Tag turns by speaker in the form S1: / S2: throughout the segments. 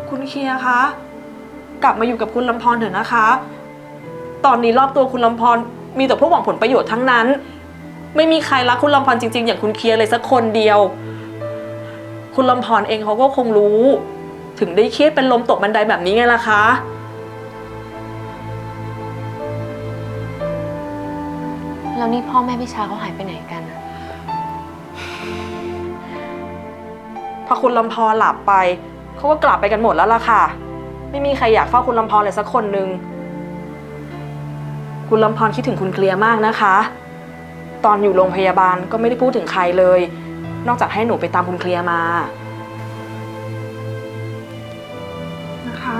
S1: คุณเคียร์คะกลับมาอยู่กับคุณลำพรเถอะนะคะตอนนี้รอบตัวคุณลำพรมีแต่พวกหวังผลประโยชน์ทั้งนั้นไม่มีใครรักคุณลำพรจริงๆอย่างคุณเคียร์เลยสักคนเดียวคุณลำพรเองเขาก็คงรู้ถึงได้เครียดเป็นลมตกบันไดแบบนี้ไงล่ะคะ
S2: แล้วนี่พ่อแม่พี่ชาเขาหายไปไหนกันอะ
S1: พอคุณลำพรหลับไปเขาก็กลับไปกันหมดแล้วล่ะค่ะไม่มีใครอยากเฝ้าคุณลำพรเลยสักคนนึงคุณลำพรคิดถึงคุณเคลียร์มากนะคะตอนอยู่โรงพยาบาลก็ไม่ได้พูดถึงใครเลยนอกจากให้หนูไปตามคุณเคลียร์มานะคะ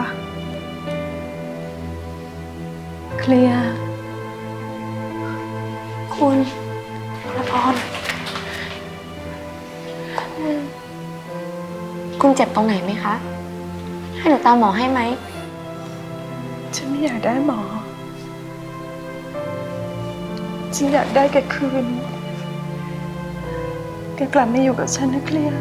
S2: เคลียร์คุณลำพรคุณเจ็บตรงไหนไหมคะให้หนูตามหมอให้ไหม
S3: ฉันไม่อยากได้หมอฉันอยากได้แกคืนแกกลับมาอยู่กับฉันนะเคลียร์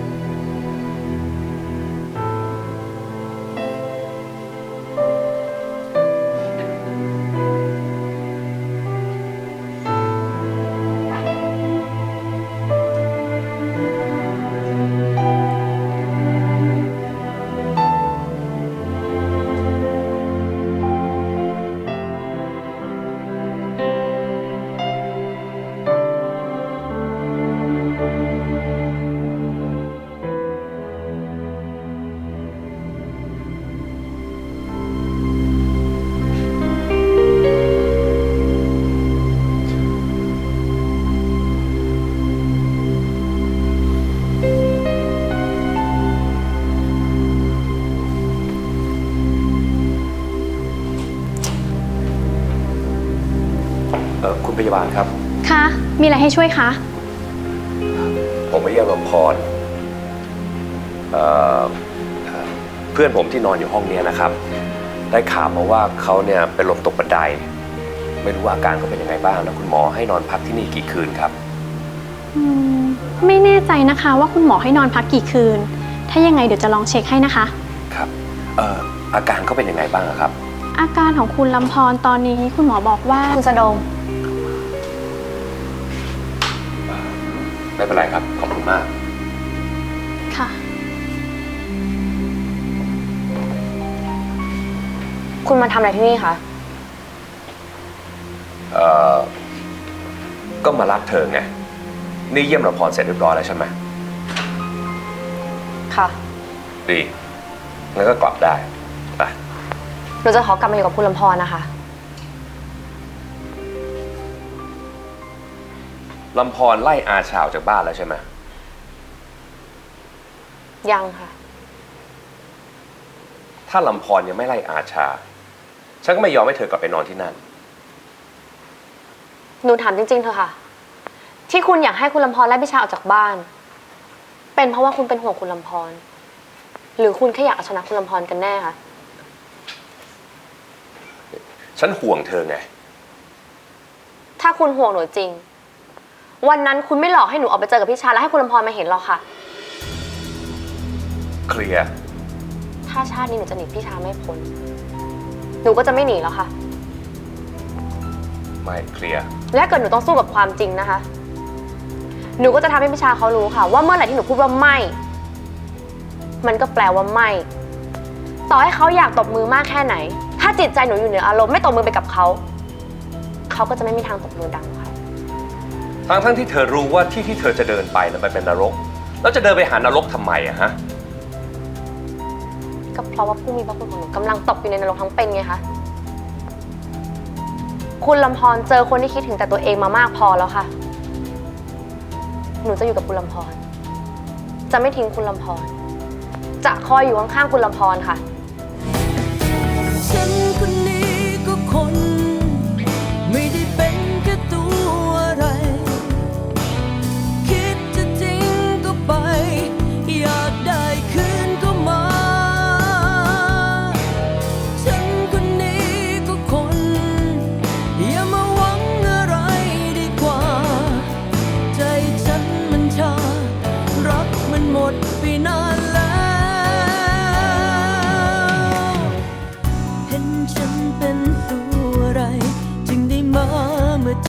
S4: คุณพยาบาลครับ
S2: คะมีอะไรให้ช่วยคะ
S4: ผมมาเยี่ยมลำพรเพื่อนผมที่นอนอยู่ห้องนี้นะครับได้ข่าวมาว่าเขาเนี่ยเป็นลมตกบันไดไม่รู้ว่าอาการเขาเป็นยังไงบ้างแล้วคุณหมอให้นอนพักที่นี่กี่คืนครับ
S2: ไม่แน่ใจนะคะว่าคุณหมอให้นอนพักกี่คืนถ้ายังไงเดี๋ยวจะลองเช็คให้นะคะ
S4: ครับอาการเขาเป็นยังไงบ้างครับ
S2: อาการของคุณลำพรตอนนี้คุณหมอบอกว่าคุณสะดง
S4: ไม่เป็นไรครับขอบคุณมาก
S2: ค่ะ
S5: คุณมาทำอะไรที่นี่คะ
S4: ก็มารับเธอไงนี่เยี่ยมลำพรเสร็จเรียบร้อยแล้วใช่ไหม
S5: ค่ะ
S4: ดีงั้นก็กลับได้ไป
S5: หนูจะขอกลับมาอยู่กับคุณลำพรนะคะ
S4: ลำพรไล่อาชาออกจากบ้านแล้วใช่ไหม
S5: ยังค่ะ
S4: ถ้าลำพรยังไม่ไล่อาชาฉันก็ไม่ยอมให้เธอกลับไปนอนที่นั่น
S5: หนูถามจริงๆเถอะค่ะที่คุณอยากให้คุณลำพรไล่พิชาออกจากบ้านเป็นเพราะว่าคุณเป็นห่วงคุณลำพรหรือคุณแค่อยากเอาชนะคุณลำพรกันแน่คะ
S4: ฉันห่วงเธอไง
S5: ถ้าคุณห่วงหนูจริงวันนั้นคุณไม่หลอกให้หนูออกไปเจอกับพิชาแล้วให้คุณลำพรมาเห็นหรอกค่ะ
S4: เคลียร์
S5: ถ้าชาตินี้หนูจะหนีพิชาไม่พ้นหนูก็จะไม่หนีแล้วค่ะ
S4: ไม่เคลียร์
S5: และเกิดหนูต้องสู้กับความจริงนะคะหนูก็จะทำให้พิชาเขารู้ค่ะว่าเมื่อไหร่ที่หนูพูดว่าไม่มันก็แปลว่าไม่ต่อให้เขาอยากตบมือมากแค่ไหนถ้าจิตใจหนูอยู่เหนืออารมณ์ไม่ตบมือไปกับเขาเขาก็จะไม่มีทางตบมือดังค่ะ
S4: ทั้งที่เธอรู้ว่าที่เธอจะเดินไปนั้นมันเป็นนรกแล้วจะเดินไปหานรกทำไมอะฮะ
S5: ก็เพราะว่าผู้มีพระคุณของหนูกำลังตกอยู่ในนรกทั้งเป็นไงคะคุณลำพรเจอคนที่คิดถึงแต่ตัวเองมามากพอแล้วค่ะหนูจะอยู่กับคุณลำพรจะไม่ทิ้งคุณลำพรจะคอยอยู่ข้างๆคุณลำพรค่ะ
S6: ฉันคนนี้ก็คนไม่ได้เป็นแค่ตัวอะไรคิดจะจริงก็ไปอยากได้คืนก็มาฉันคนนี้ก็คนอย่ามาหวังอะไรดีกว่าใจฉันมันชารักมันหมดไปนานแล้วฉันเป็นตัวอะไร